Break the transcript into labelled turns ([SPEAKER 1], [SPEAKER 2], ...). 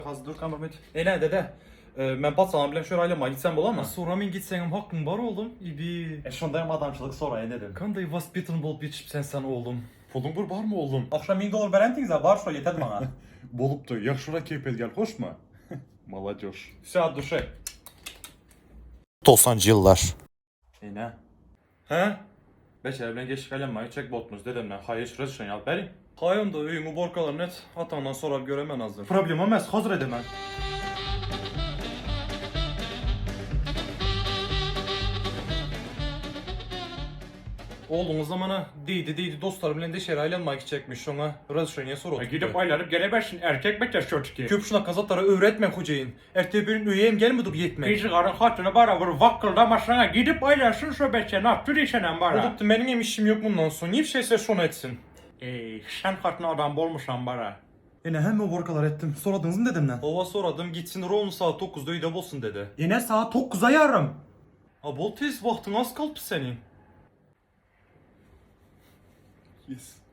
[SPEAKER 1] Hazır Mehmet. Ne dede? Ben patsalam bilen şöyle aileme gitsem bolamı?
[SPEAKER 2] Sonra men gitsenim hakkın var oğlum. İbi.
[SPEAKER 1] Şundayım adamçılık sonra dedim.
[SPEAKER 2] Kanday vaspitin bolup yetişip sen oğlum. Pulun var mı oğlum?
[SPEAKER 1] Akşam $1000 berentiniz var şu yeter bana.
[SPEAKER 2] Boluptu. Yakşura keyfet gel hoş mu? Молодежь.
[SPEAKER 1] Saat duşu.
[SPEAKER 3] 90'cı yıllar.
[SPEAKER 1] Ne? He? Beşer bilen geçik aileme çek botmuz dedemle. Hayır şurası yal beri.
[SPEAKER 2] Hayım da öyümü borkalar net. Atandan sonra göremen hazır.
[SPEAKER 1] Problem olmaz hazır edemem.
[SPEAKER 2] Oğlunuz zamana deydi dostlar bilen de şerayla çekmiş ona. Razışönye soru.
[SPEAKER 4] Gidip aylanıp gelemezsin erkek bekler çocuk.
[SPEAKER 2] Köp şuna kazatlara öğretme hocayın. Ertebir'in üyeyim gelmedik yetmek.
[SPEAKER 4] Gizli karın hatını bara vur vakkıldamasına gidip aylansın söbetse ne yaptır işenen bara.
[SPEAKER 2] Olup da benim işim yok bundan sonra. Niye bir şeyse şunu etsin.
[SPEAKER 4] Sen hatını adam bolmuşsan bara.
[SPEAKER 1] Yine hem o borkalar ettim. Soradınız mı dedemden?
[SPEAKER 2] Ova soradım gitsin Ron saat 9'da uyda bolsun dedi.
[SPEAKER 1] Yine saat 9'a yarım.
[SPEAKER 2] Bol tez vaktin az kaldı senin.
[SPEAKER 1] Yes.